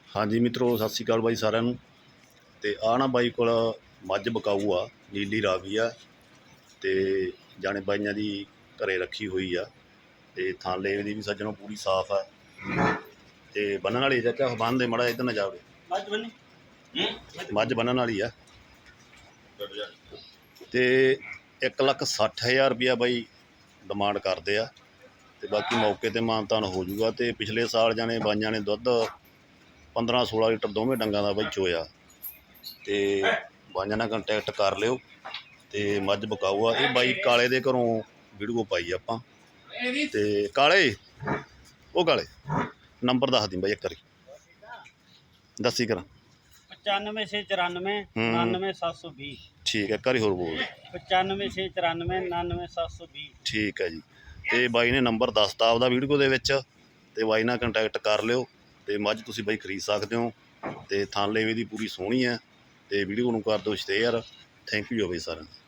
ਹਾਂਜੀ ਮਿੱਤਰੋ, ਸਤਿ ਸ਼੍ਰੀ ਅਕਾਲ ਬਾਈ ਸਾਰਿਆਂ ਨੂੰ। ਤੇ ਆ ਨਾ ਬਾਈ ਕੋਲ ਮੱਝ ਬਕਾਊ ਆ, ਨੀਲੀ ਰਾਵੀ ਆ ਤੇ ਜਾਣੇ ਬਾਈਆਂ ਦੀ ਘਰੇ ਰੱਖੀ ਹੋਈ ਆ। ਤੇ ਥਾਲੇ ਦੀ ਵੀ ਸੱਜਣੋਂ ਪੂਰੀ ਸਾਫ਼ ਆ ਤੇ ਬੰਨਣ ਵਾਲੀ ਚਾਚਾ ਬੰਨ ਦੇ ਮੜਾ ਇੱਧਰ ਨਾ ਜਾਵੇ। ਮੱਝ ਬੰਨਣ ਵਾਲੀ ਆ ਤੇ 1,60,000 ਰੁਪਇਆ ਬਾਈ ਡਿਮਾਂਡ ਕਰਦੇ ਆ ਤੇ ਬਾਕੀ ਮੌਕੇ ਤੇ ਮਾਨਤਾਨ ਹੋ ਜੂਗਾ। ਤੇ ਪਿਛਲੇ ਸਾਲ ਜਾਣੇ ਬਾਈਆਂ ਨੇ ਦੁੱਧ 15-16 ਲੀਟਰ ਦੋਵੇਂ ਡੰਗਾਂ ਦਾ ਬਾਈ ਚੋਇਆ ਤੇ ਬਾਈਆਂ ਨਾਲ ਕੰਟੈਕਟ ਕਰ ਲਿਓ। ਤੇ ਮੱਝ ਬਕਾਊ ਆ। ਇਹ ਬਾਈ ਕਾਲੇ ਦੇ ਘਰੋਂ ਵੀਡੀਓ ਪਾਈ ਆਪਾਂ। ਤੇ ਕਾਲੇ ਉਹ ਕਾਲੇ ਨੰਬਰ ਦੱਸ ਦੀ ਬਾਈ ਇੱਕ ਵਾਰੀ ਦੱਸੀ ਕਰਾਂ। 95 694 99 720। ਠੀਕ ਹੈ, ਇੱਕ ਵਾਰੀ ਹੋਰ ਬੋਲ। 95 694 99 720। ਠੀਕ ਹੈ ਜੀ। ਤੇ ਬਾਈ ਨੇ ਨੰਬਰ ਦੱਸਤਾ ਆਪਦਾ ਵੀਡੀਓ ਦੇ ਵਿੱਚ ਤੇ ਬਾਈ ਨਾਲ ਕੰਟੈਕਟ ਕਰ ਲਿਓ ਤੇ ਮੱਝ ਤੁਸੀਂ ਬਾਈ ਖਰੀਦ ਸਕਦੇ ਹੋ। ਤੇ ਥਾਲੇ ਵੀ ਦੀ ਪੂਰੀ ਸੋਹਣੀ ਹੈ ਤੇ ਵੀਡੀਓ ਨੂੰ ਕਰ ਦਿਓ ਸ਼ੇਅਰ। ਥੈਂਕ ਯੂ ਬਾਈ ਸਾਰਿਆਂ ਨੂੰ।